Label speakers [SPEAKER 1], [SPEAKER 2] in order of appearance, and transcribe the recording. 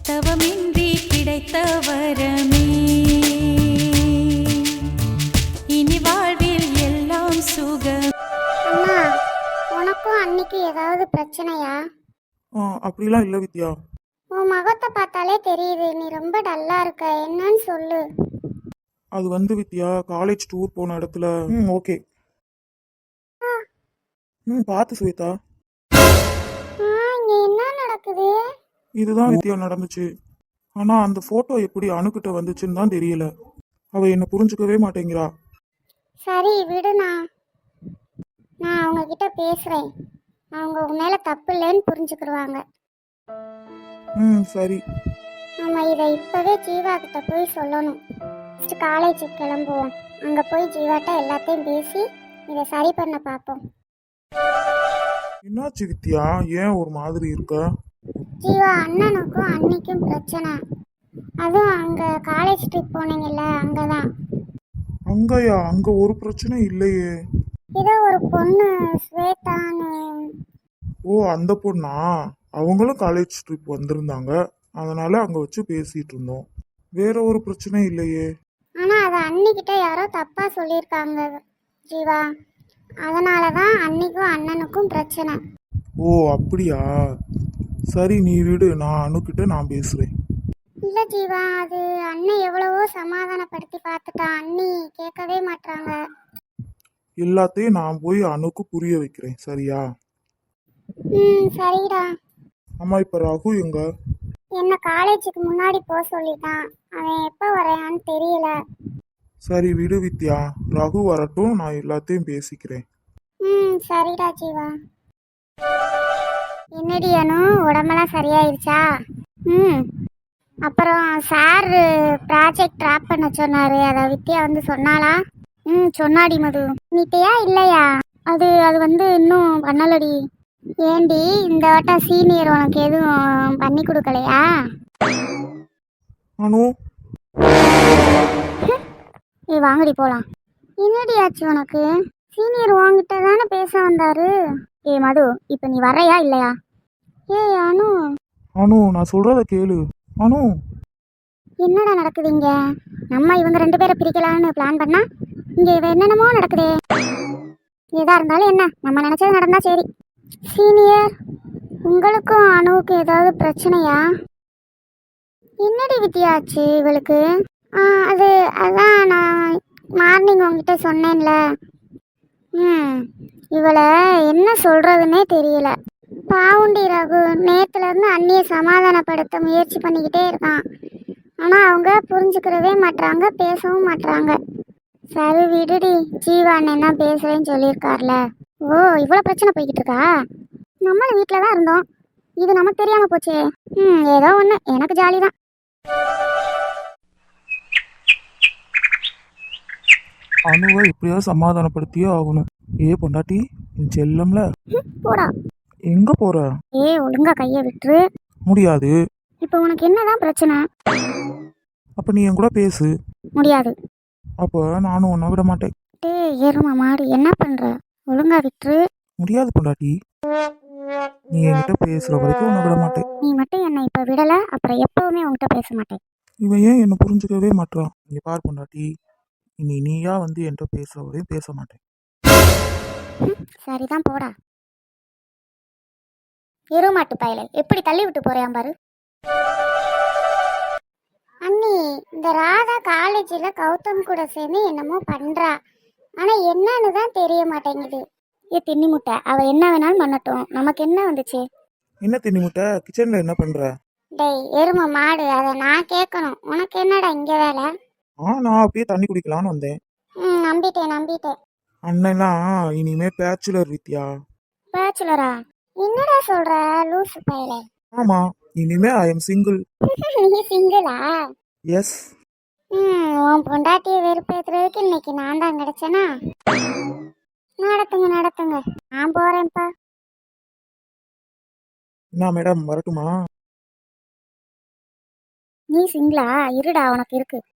[SPEAKER 1] தவமின்றி கிடைத்த வரமே இனி வாழ்வில் எல்லாம் சுகம்.
[SPEAKER 2] அம்மா, உனக்கும் அன்னைக்கு ஏதாவது பிரச்சனையா?
[SPEAKER 3] அப்படிலாம் இல்லை வித்யா.
[SPEAKER 2] உன் முகத்தை பார்த்தாலே தெரியுது, நீ ரொம்ப டல்லா இருக்க. என்னன்னு சொல்லு.
[SPEAKER 3] அது வித்யா, காலேஜ் டூர் போன இடத்துல ஓகே. பார்த்து ஸ்வேதா.
[SPEAKER 2] இங்க என்ன நடக்குது?
[SPEAKER 3] இதுதான் வித்யா நடந்துச்சு. ஆனா அந்த போட்டோ எப்படி அணுகிட்ட வந்துச்சுன்னு தான் தெரியல. அவ என்ன புரிஞ்சுக்கவே மாட்டேங்கிறா.
[SPEAKER 2] சரி விடுண்ணா, நான் அவங்க கிட்ட பேசுறேன். அவங்க உன் மேல தப்பு இல்லைன்னு புரிஞ்சுக்கிடுவாங்க.
[SPEAKER 3] சரி.
[SPEAKER 2] நம்ம இதை இப்பவே ஜீவா கிட்ட போய் சொல்லணும். காலேஜுக்கு கிளம்புவோம். அங்க போய் ஜீவாட்ட எல்லாத்தையும் பேசி இதை சரி பண்ண பார்ப்போம்.
[SPEAKER 3] என்னாச்சு வித்யா, ஏன் ஒரு மாதிரி இருக்க?
[SPEAKER 2] ஜீவா, அண்ணனுக்கும் அன்னைக்கும் பிரச்சனை. அதுவும் அங்க காலேஜ் ட்ரிப் போனீங்கல்ல, அங்கதான்.
[SPEAKER 3] அங்கயா? அங்க ஒரு பிரச்சனை இல்லையே.
[SPEAKER 2] ஏதோ ஒரு பொண்ணு ஸ்வேதான்னு.
[SPEAKER 3] ஓ, அந்த பொண்ணா? அவங்களும் காலேஜ் ட்ரிப் வந்திருந்தாங்க, அதனால அங்க வச்சு பேசிட்டு இருந்தோம். வேற ஒரு பிரச்சனை இல்லையே.
[SPEAKER 2] ஆனா அதை அன்னிக்கிட்ட யாரோ தப்பா சொல்லியிருக்காங்க ஜீவா. அதனாலதான் அன்னிக்கும் அண்ணனுக்கும் பிரச்சனை.
[SPEAKER 3] ஓ அப்படியா? சரி நீ விடு, நான் அணுகிட்ட நான் பேசுறேன்.
[SPEAKER 2] இல்ல ஜீவா, அது அண்ணன் எவ்வளவோ சமாதானப்படுத்தி பார்த்துட்டான். அண்ணி கேட்கவே மாட்டாங்க.
[SPEAKER 3] எல்லாத்தையும் நான் போய் அணுக்கு புரிய வைக்கிறேன், சரியா?
[SPEAKER 2] சரிடா.
[SPEAKER 3] அம்மா, இப்ப ரகு எங்க?
[SPEAKER 2] என்ன காலேஜுக்கு முன்னாடி போக சொல்லிட்டான். அவன் எப்ப வரையான்னு தெரியல.
[SPEAKER 3] சரி விடு வித்யா, ரகு வரட்டும், நான் எல்லாத்தையும் பேசிக்கிறேன்.
[SPEAKER 2] சரிடா ஜீவா. என்னடி அனு, உடம்பெல்லாம் சரியாயிருச்சா? அப்புறம் சார் ப்ராஜெக்ட் ட்ராப் பண்ண சொன்னாரு, அதை வித்யா சொன்னாளா? சொன்னாடி மது. நீட்டியா இல்லையா? அது இன்னும் பண்ணலடி. ஏண்டி, இந்த வட்டம் சீனியர் உனக்கு எதுவும் பண்ணி கொடுக்கலையா?
[SPEAKER 3] அனு,
[SPEAKER 2] நீ வாங்கடி போலாம். என்னடி ஆச்சு உனக்கு? சீனியர் உன்கிட்ட தானே பேச வந்தாரு. மது, இப்ப நீ வரையா இல்லையா? அனு.
[SPEAKER 3] அனு, நான் சொல்றத கேளு. அனு,
[SPEAKER 2] என்னடா நடக்குது இங்க? நம்ம இவங்க ரெண்டு பேரை பிரிக்கலான்னு பிளான் பண்ணா இங்க என்னென்னமோ நடக்குதே. எதா இருந்தாலும் என்ன, நம்ம நினைச்சது நடந்தா சரி. சீனியர், உங்களுக்கும் அணுவுக்கும் ஏதாவது பிரச்சனையா? என்னடி வித்தியாச்சு இவளுக்கு? அதான் நான் மார்னிங் உங்ககிட்ட சொன்னேன்ல. இவளை என்ன சொல்றதுன்னே தெரியல. பாவுண்டி ரகு நேத்துல இருந்து அண்ணியை சமாதானப்படுத்த முயற்சி பண்ணிக்கிட்டே இருக்கான். ஆனா அவங்க புரிஞ்சுக்கிறவே மாட்டாங்க, பேசவும் மாட்டாங்க. சரி விடுடி, ஜீவா அண்ணன் தான் பேசுறேன்னு சொல்லியிருக்கார்ல. ஓ, இவ்வளவு பிரச்சனை போய்கிட்டு இருக்கா? நம்மளும் வீட்டில தான் இருந்தோம், இது நமக்கு தெரியாம போச்சே. ஏதோ ஒண்ணு, எனக்கு ஜாலி தான்.
[SPEAKER 3] அணுவை எப்படியாவது சமாதானப்படுத்தியே ஆகணும். பொண்டாட்டி, என் செல்லம்ல.
[SPEAKER 2] போடா.
[SPEAKER 3] எங்க போற?
[SPEAKER 2] ஒழுங்கா கைய விட்டுரு.
[SPEAKER 3] முடியாது.
[SPEAKER 2] இப்ப உனக்கு என்னதான் பிரச்சனை?
[SPEAKER 3] அப்ப நீ என் கூட பேசு.
[SPEAKER 2] முடியாது.
[SPEAKER 3] அப்ப நானும் உன்னை விட மாட்டேன்.
[SPEAKER 2] எருமா மாடு, என்ன பண்ற? ஒழுங்கா விட்டுரு.
[SPEAKER 3] முடியாது பொண்டாட்டி, நீ என்கிட்ட பேசுற வரைக்கும் உன்னை விட மாட்டேன்.
[SPEAKER 2] நீ மட்டும் என்ன இப்ப விடல, அப்புறம் எப்பவுமே உன்கிட்ட பேச மாட்டேன்.
[SPEAKER 3] இவன் ஏன் என்ன புரிஞ்சுக்கவே மாட்டான்? இங்க பார் பொண்டாட்டி, இனி நீயா என்கிட்ட பேசுற வரையும் பேச மாட்டேன்.
[SPEAKER 2] சரிதான், போடா. எருமாட்டு பயலை எப்படி தள்ளி விட்டு போறேன் பாரு. அண்ணி, இந்த ராதா காலேஜ்ல கௌதம் கூட சேர்ந்து என்னமோ பண்றா. ஆனா என்னன்னு தான் தெரிய மாட்டேங்குது. தின்னி முட்டை, அவ என்ன வேணாலும் பண்ணட்டும், நமக்கு என்ன வந்துச்சு?
[SPEAKER 3] என்ன தின்னி முட்டை? கிச்சன்ல என்ன பண்ற?
[SPEAKER 2] டேய் எரும மாடு, அதை நான் கேட்கணும், உனக்கு என்னடா இங்க வேலை?
[SPEAKER 3] நான் அப்படியே தண்ணி குடிக்கலான்னு வந்தேன்.
[SPEAKER 2] நம்பிட்டேன்.
[SPEAKER 3] அண்ணெல்லாம் இனிமே பேச்சுலர் வித்யா.
[SPEAKER 2] பேச்சுலரா? என்னடா சொல்ற லூசு பயலே?
[SPEAKER 3] ஆமா, இனிமே ஐ எம் சிங்கிள்.
[SPEAKER 2] நீ சிங்கிளா?
[SPEAKER 3] எஸ்.
[SPEAKER 2] உன் பொண்டாட்டியை வெறுப்பேத்துறதுக்கு இன்னைக்கு நான் தான் கிடைச்சேனா? நடத்துங்க, நான் போறேன்ப்பா.
[SPEAKER 3] என்ன மேடம், வரட்டுமா?
[SPEAKER 2] நீ சிங்கிளா? இருடா, உனக்கு இருக்கு.